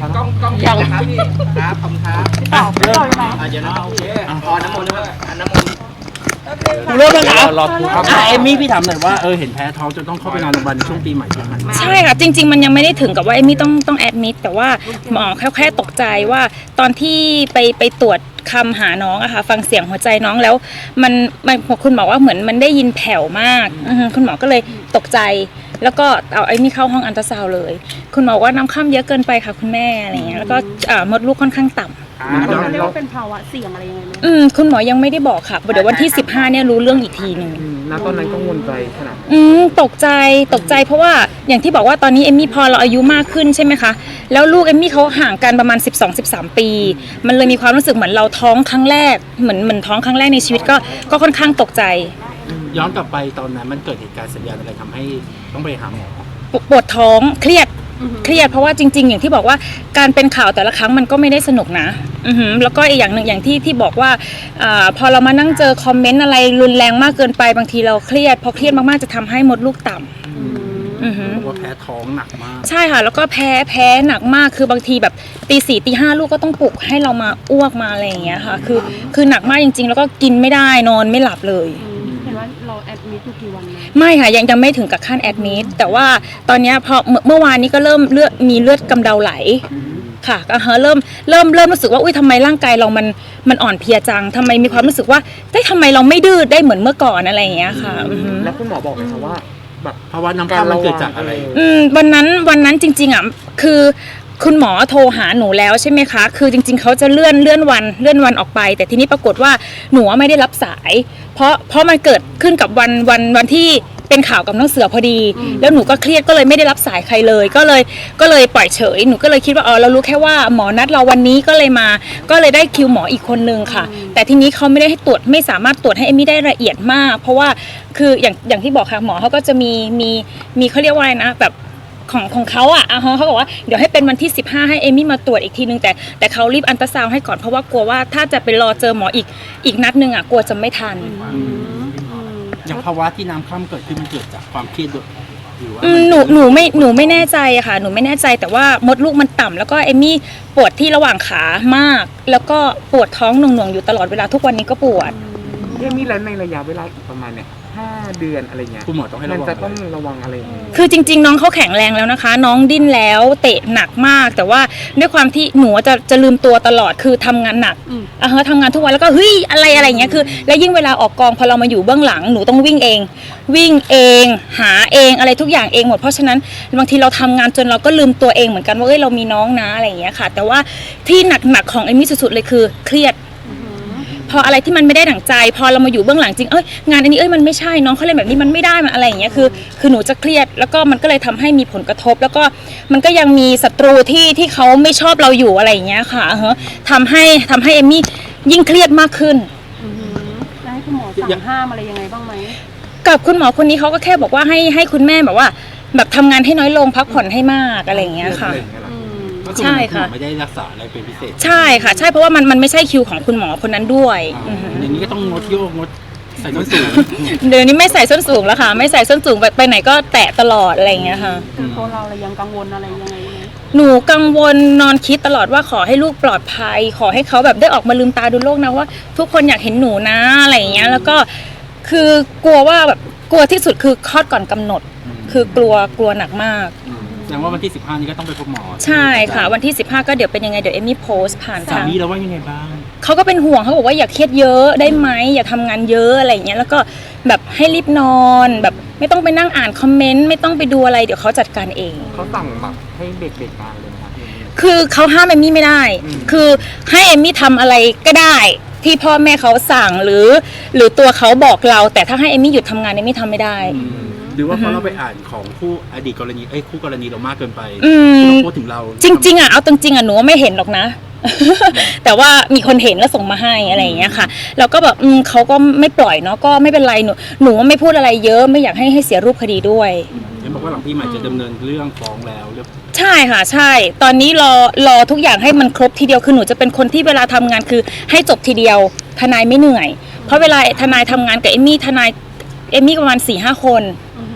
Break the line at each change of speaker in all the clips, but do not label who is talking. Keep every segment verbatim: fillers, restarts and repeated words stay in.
ครับ
กล้องกล้องยังครับพี่ครับขอบคุณครับ
ต่อต่ออยู่ไหน
อ่ะเดี๋ยวนะโอเคอ๋อน้ำมนต์ด้วยอ่ะน้ำมนต์
เริ่มแล้วครับ
รอพูดครับ
อ่ะเอมมี่พี่ถามหน่อยว่าเออเห็นแพ้ท้องจนต้องเข้าไปนอนโรงพยาบาลในช่วงปีใหม่ที่ผ่านมา
ใช่ค่ะจริงๆมันยังไม่ได้ถึงกับว่าเอมมี่ต้องต้องแอดมิดแต่ว่าหมอแค่แค่ตกใจว่าตอนที่ไปไปตรวจคำหาน้องอะค่ะฟังเสียงหัวใจน้องแล้วมันมันคุณหมอว่าเหมือนมันได้ยินแผ่วมากอือฮึคุณหมอก็เลยตกใจแล้วก็เอาไอ้นี่เข้าห้องอัลตราซาวด์เลย คุณหมอว่าน้ำข้ามเยอะเกินไปค่ะคุณแม่อะไรเงี้ยแล้วก็อ่ามดลูกค่อนข้างต่ำ
ย้อน
เรียก
เรา
ว่าเป็นภาวะเสี่ยงอะไรยังไงไหม
อืมคุณหมอยังไม่ได้บอกค่ะเดี๋ยววันที่สิบห้าเนี่ยรู้เรื่องอีกทีหนึ่ง
ณตอนนั้นกังวลใจขนาด
อืมตกใจตกใจเพราะว่าอย่างที่บอกว่าตอนนี้เอมมี่พอเราอายุมากขึ้นใช่ไหมคะแล้วลูกเอมมี่เขาห่างกันประมาณ สิบสอง สิบสาม ปี มันเลยมีความรู้สึกเหมือนเราท้องครั้งแรกเหมือนเหมือนท้องครั้งแรกในชีวิตก็ก็ค่อนข้างตกใจ
ย้อนกลับไปตอนนั้นมันเกิดเหตุการณ์สัญญาณอะไรทำให้ต้องไปหาหมอ
ปวปวดท้องเครียดเครียดเพราะว่าจริง ๆ อย่างที่บอกว่าการเป็นข่าวแต่ละครั้งมันก็ไม่ได้สนุกนะอือหือแล้วก็อีกอย่างหนึ่งอย่างที่ที่บอกว่าอาพอเรามานั่งเจอคอมเมนต์อะไรรุนแรงมากเกินไปบางทีเราเครียดพอเครียดมากๆจะทำให้มดลูกต่ำอือหือ
บอกว่าแพ้ท้องหนักมาก
ใช่ค่ะแล้วก็แพ้แพ้หนักมากคือบางทีแบบตีสี่ตีห้าลูกก็ต้องปลุกให้เรามาอ้วกมาอะไรอย่างเงี้ยค่ะคือคือหนักมากจริง ๆ แล้วก็กินไม่ได้นอนไม่หลับเลย
เห็นว่าเราแอดมิดอยู่กี่วันนะ
ไม่ค่ะยังยังไม่ถึงกับขั้นแอดมิดแต่ว่าตอนเนี้ยพอเมื่อเมื่อวานนี้ก็เริ่มเลือดมีเลือดกำเดาไหลค่ะก็เฮะเริ่มเริ่มเริ่มรู้สึกว่าอุ้ยทำไมร่างกายเรามันมันอ่อนเพลียจังทำไมมีความรู้สึกว่าได้ทำไมเราไม่ดื้อได้เหมือนเมื่อก่อนอะไรอย่างเงี้ยค่ะอือฮึ
แล้วคุณหมอบอกไหมครับว่าแบบ
เพราะว่าน้ำข้ามมันเกิดจากอะไร
อืมวันนั้นวันนั้นจริงๆอ่ะคือคุณหมอโทรหาหนูแล้วใช่ไหมคะคือจริงๆเขาจะเลื่อนเลื่อนวันเลื่อนวันออกไป แต่ทีนี้ปรากฏว่าหนูไม่ได้รับสาย เพราะเพราะมันเกิดขึ้นกับวันวันวันที่เป็นข่าวกับน้องเสือพอดี แล้วหนูก็เครียดก็เลยไม่ได้รับสายใครเลย ก็เลยก็เลยปล่อยเฉยหนูก็เลยคิดว่าอ๋อเรารู้แค่ว่าหมอนัดเราวันนี้ก็เลยมา ก็เลยได้คิวหมออีกคนนึงค่ะ แต่ทีนี้เขาไม่ได้ให้ตรวจไม่สามารถตรวจให้เอมมี่ได้ละเอียดมาก เพราะว่าคืออย่างอย่างที่บอกค่ะหมอเขาก็จะมีมีมีเขาเรียกว่าอะไรนะแบบ ของของเขาอ่ะอ่ะเขาบอกว่าเดี๋ยวให้เป็นวันที่สิบห้าให้เอมี่มาตรวจอีกทีนึงแต่แต่เขารีบอัลตราซาวด์ให้ก่อนเพราะว่ากลัวว่าถ้าจะไปรอเจอหมออีกอีกนัดนึงอ่ะกลัวจะไม่ทัน
อย่างภาวะที่น้ำข้ามเกิดขึ้นมันเกิดจากความเครียดด้วยหรือว่า
อืมหนูหนูไม่หนูไม่แน่ใจอะค่ะหนูไม่แน่ใจแต่ว่ามดลูกมันต่ำแล้วก็เอมี่ปวดที่ระหว่างขามาก แล้วก็ปวดท้องหน่วงๆอยู่ตลอดเวลาทุกวันนี้ก็ปวด
เรื่องนี้แล้วในระยะเวลาอีกประมาณเนี่ยห้าเดือนอะไรเงี้ย
คุณหมอต้องให้
มั
ระ
น
วัง
จะต้อง
อะไร
ระวังอะไรยังไง
คือจริงๆน้องเขาแข็งแรงแล้วนะคะ น้องดิ้นแล้วเตะหนักมาก แต่ว่าด้วยความที่หนูจะจะลืมตัวตลอดคือทำงานหนักอ่ะฮะทำงานทุกวันแล้วก็เฮ้ยอะไรอะไรอย่างเงี้ยคือแล้วยิ่งเวลาออกกองพอเรามาอยู่เบื้องหลังหนูต้องวิ่งเอง วิ่งเอง หาเองอะไรทุกอย่างเองหมดเพราะฉะนั้นบางทีเราทำงานจนเราก็ลืมตัวเองเหมือนกันว่าเอ้ยเรามีน้องนะอะไรอย่างเงี้ยค่ะ แต่ว่าที่หนักๆของเอมมี่สุดๆเลยคือเครียด พออะไรที่มันไม่ได้ดั่งใจ พอเรามาอยู่เบื้องหลังจริงเอ้ยงานอันนี้เอ้ยมันไม่ใช่น้องเขาเล่นแบบนี้มันไม่ได้มันอะไรอย่างเงี้ยคือคือหนูจะเครียดแล้วก็มันก็เลยทำให้มีผลกระทบ แล้วก็มันก็ยังมีศัตรูที่ที่เขาไม่ชอบเราอยู่อะไรอย่างเงี้ยค่ะเฮ้ทำให้ทำให้เอมมี่ยิ่งเครียดมากขึ้น
แล้วให้คุณหมอสั่งห้ามอะไรยังไงบ้างไหม
กับคุณหมอคนนี้เขาก็แค่บอกว่าให้ให้คุณแม่แบบว่า แบบทำงานให้น้อยลงพักผ่อนให้มากอะไรอย่างเงี้ยค่ะ
ก็คือ
ใช่
คุณหม
ค่ะ
อไม่ได้รักษาอะไรเป็นพิเศษ
ใช่ค่ะ ใช่เพราะว่ามันมันไม่ใช่คิวของคุณหมอคนนั้นด้วย
อ่า
อือฮึ
อย่างนี้ก็ต้องงดโยกงดใส่ส้นสูง
เดี๋ยวนี้ไม่ใส่ส้นสูงแล้วค่ะ ไม่ใส่ส้นสูงไปไปไหนก็แตะตลอดอะไรอย่างเงี้ยค่ะ
คือตัวเราเรายังกังวลอะไรยังไงไหม
หนูกังวลนอนคิดตลอดว่าขอให้ลูกปลอดภัย ขอให้เขาแบบได้ออกมาลืมตาดูโลกนะว่า ทุกคนอยากเห็นหนูนะอะไรอย่างเงี้ยแล้วก็คือกลัวว่าแบบกลัวที่สุดคือคลอดก่อนกำหนด คือกลัวกลัวหนักมาก
แสดงว่าวันที่สิบห้านี้ก็ต้องไปพบหมอ
ใช่ค่ะ วันที่สิบห้าก็เดี๋ยวเป็นยังไงเดี๋ยวเอมมี่โพสต์ผ่าน
สา
ทาง
มีเราว่ายังไงบ้าง
เขาก็เป็นห่วงเขาบอกว่าอย่าเครียดเยอะได้ไหมอย่าทำงานเยอะอะไรอย่างเงี้ยแล้วก็แบบให้รีบนอนแบบไม่ต้องไปนั่งอ่านคอมเมนต์ไม่ต้องไปดูอะไรเดี๋ยวเขาจัดการเอง
เขาสั่งแบบให้เด็กๆงานเลยนะครับ
คือเขาห้ามเอมมี่ไม่ได้
อืม
คือให้เอมมี่ทำอะไรก็ได้ ที่พ่อแม่เขาสั่งหรือ หรือตัวเขาบอกเรา แต่ถ้าให้เอมมี่หยุดทำงานเอมมี่ทำไม่ได้
หรือว่าเพราะเราไปอ่านของคู่อดีตกรณีเอ้ยคู่กรณีเรามากเกินไป
อืม
ที่เขาพูดถึงเรา
จริงๆอ่ะเอาจริงๆอ่ะหนูว่าไม่เห็นหรอกนะ แต่ว่ามีคนเห็นแล้วส่งมาให้อะไรอย่างเงี้ยค่ะแล้วก็แบบอืมเขาก็ไม่ปล่อยเนาะก็ไม่เป็นไรหนูหนูว่าไม่พูดอะไรเยอะไม่อยากให้ให้เสียรูปคดีด้วย
เห็นบอกว่าหลังปีใหม่จะดำเนินเรื่องฟ้องแล้วเรียบ
ใช่ค่ะใช่ ตอนนี้รอรอทุกอย่างให้มันครบทีเดียวคือหนูจะเป็นคนที่เวลาทำงานคือให้จบทีเดียวทนายไม่เหนื่อย เพราะเวลาทนายทำงานกับเอมมี่ทนายเอมมี่ประมาณสี่ห้าคน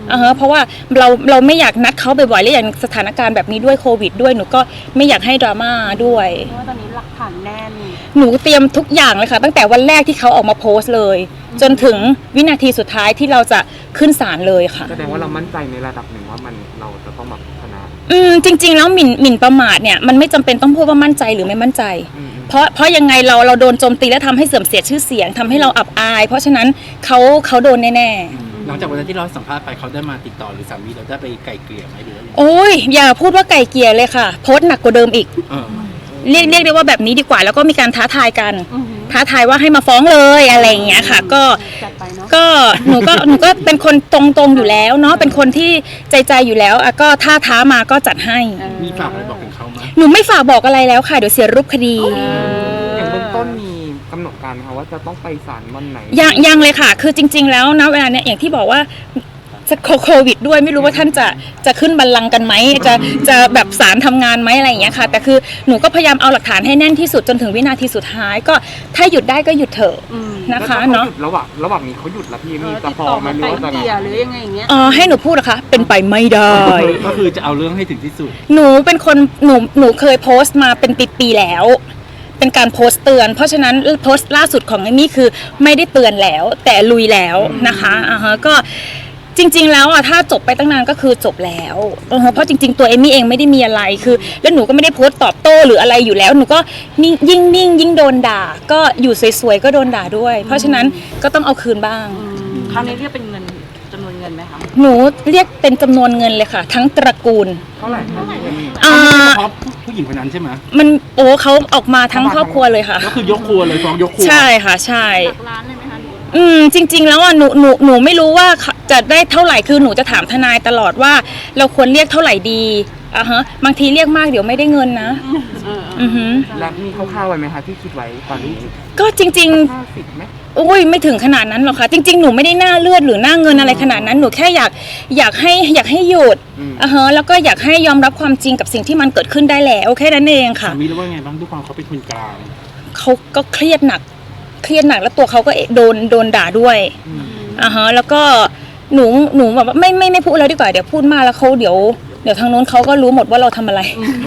อ่าฮะเพราะว่าเราเราไม่อยากนัดเขาบ่อยๆและอย่างสถานการณ์แบบนี้ด้วยโควิดด้วยหนูก็ไม่อยากให้ดราม่าด้วย
เพราะว่าตอนนี้หลักฐานแน่น
หนูเตรียมทุกอย่างเลยค่ะตั้งแต่วันแรกที่เขาออกมาโพสต์เลย จนถึงวินาทีสุดท้ายที่เราจะขึ้นศาลเลยค่ะ
แสดงว่าเรามั่นใจในระดับหนึ่งว่ามันเราจะต้องแบบชนะ
อืมจริง ๆ แล้วหมิ่นหมิ่นประมาทเนี่ยมันไม่จำเป็นต้องพูดว่ามั่นใจหรือไม่มั่นใจ
อืม
เพราะเพราะยังไงเราเราโดนโจมตีและทำให้เสื่อมเสียชื่อเสียงทำให้เราอับอาย เพราะฉะนั้นเขาเขาโดนแน่
หลังจากวันนั้นที่เราสัมภาษณ์ไปเขาได้มาติดต่อหรือสามีเราได้ไปไกลเกลี่ยไหมหรือว่า
ๆโอ้ยอย่าพูดว่าไก่เกลียเลยค่ะ โพสต์หนักกว่าเดิมอีก
เออ
เรียกเรียกได้ว่าแบบนี้ดีกว่า แล้วก็มีการท้าทายกัน
อือหือ
ท้าทายว่าให้มาฟ้องเลยอะไรอย่างเงี้ยค่ะ ก็
จัดไปเนาะ
ก็หนูก็หนูก็เป็นคนตรงๆอยู่แล้วเนาะเป็นคนที่ใจใจอยู่แล้วอ่ะก็ถ้าท้ามาก็จัดให้
เออ
มีฝากอะไรบอกถึงเขาไหม
หนูไม่ฝากบอกอะไรแล้วค่ะเดี๋ยวเสียรูปคดี
อย่างเบื้องต้นมีกำหนดการไหมคะว่าจะต้องไปศาลวันไหน
ยังยังเลยค่ะ คือจริง ๆ แล้วนะเวลาเนี้ยอย่างที่บอกว่าจะโควิดด้วยไม่รู้ว่าท่านจะจะขึ้นบัลลังก์กันไหมจะจะแบบศาลทำงานไหมอะไรอย่างเงี้ยค่ะ แต่คือหนูก็พยายามเอาหลักฐานให้แน่นที่สุดจนถึงวินาทีสุดท้าย ก็ถ้าหยุดได้ก็หยุดเถอะ
อืม
นะคะ
แล้วถ้
เนาะ
ขหยุดระหว่างระหว่างนี้เขาหยุดแล้วพี่
เอ
มี
อ
จะ
ติด
พอ
ต่อ
ไหม
มา
หรือ
ไกล
ว่าจะ
เกลี่ยหรือยังไงอย่างเงี้ย
อ๋อให้หนูพูดเหรอคะเป็นไปไม่ได้
ก็คือจะเอาเรื่องให้ถึงที่สุด
หนูเป็นคนหนูหนูเคยโพสต์มาเป็นปีๆแล้ว เป็นการโพสต์เตือน เพราะฉะนั้นโพสต์ล่าสุดของเอมมี่คือไม่ได้เตือนแล้ว แต่ลุยแล้วนะคะอ่าฮะก็จริง ๆ แล้วอ่ะถ้าจบไปตั้งนานก็คือจบแล้วอ่าฮะเพราะจริง ๆ ตัวเอมมี่เองไม่ได้มีอะไรคือ แล้วหนูก็ไม่ได้โพสต์ตอบโต้หรืออะไรอยู่แล้วหนูก็นิ่งยิ่งนิ่งยิ่งโดนด่า ก็อยู่สวยๆก็โดนด่าด้วย เพราะฉะนั้นก็ต้องเอาคืนบ้าง
คราวนี้เรียกเป็นเงินจำนวนเงินไหมคะ
หนูเรียกเป็นจำนวนเงินเลยค่ะ ทั้งตระกูล
เท่าไหร่คะ
อ่า
เฉพาะผู้หญิงคนนั้นใช่ไหม
มันโอ้เขาออกมาทั้งครอบครัวเลยค่ะ
ก็คือยกครัวเลยฟ้องยกครัว
ใช่ค่ะใช่
ร้านเลยไหมคะ
อืมจริง ๆ แล้วอ่ะหนูหนูหนูไม่รู้ว่าจะได้เท่าไหร่คือหนูจะถามทนายตลอดว่า เราควรเรียกเท่าไหร่ดีอ่ะฮะบางทีเรียกมากเดี๋ยวไม่ได้เงินนะอือหือ
แล้วมีคร่าวๆไว้ไหมคะที่คิดไว้ตอนนี้
ก็จริง
ห้าสิบไหม
ๆโอ้ยไม่ถึงขนาดนั้นหรอกค่ะ จริง ๆ หนูไม่ได้หน้าเลือดหรือหน้าเงินอะไรขนาดนั้นหนูแค่อยากอยากให้อยากให้หยุดอ่ะฮะแล้วก็อยากให้ยอมรับความจริงกับสิ่งที่มันเกิดขึ้นได้แล้วแค่นั้นเองค่ะ
สามีรู้ว่าไงบ้างด้วยความเขาเป็นคนกลาง
เขาก็เครียดหนัก เครียดหนักแล้วตัวเขาก็โดนโดนด่าด้วยอ่าฮะแล้วก็หนูหนูแบบว่าไม่ไม่ไม่พูดแล้วดีกว่าเดี๋ยวพูดมากแล้วเขาเดี๋ยวเดี๋ยวทางนู้นเขาก็รู้หมดว่าเราทำอะไร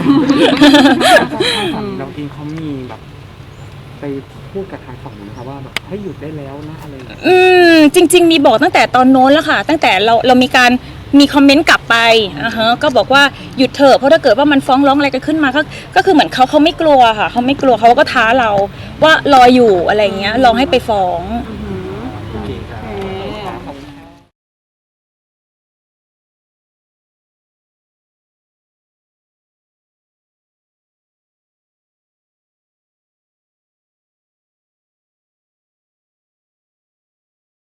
เราเองเขามีแบบไปพูดกับทางฝั่งนู้นนะคะว่าแบบให้หยุดได้แล้วนะอะไรอย่างเงี้ย
อืมจริง ๆ มีบอกตั้งแต่ตอนโน้นแล้วค่ะ ตั้งแต่เราเรามีการมีคอมเมนต์กลับไปอ่าฮะก็บอกว่าหยุดเถอะเพราะถ้าเกิดว่ามันฟ้องร้องอะไรกันขึ้นมาก็ก็คือเหมือนเขาเขาไม่กลัวค่ะเขาไม่กลัวเขาก็ท้าเราว่ารออยู่อะไรอย่างเงี้ยรอให้ไปฟ้อง
อืม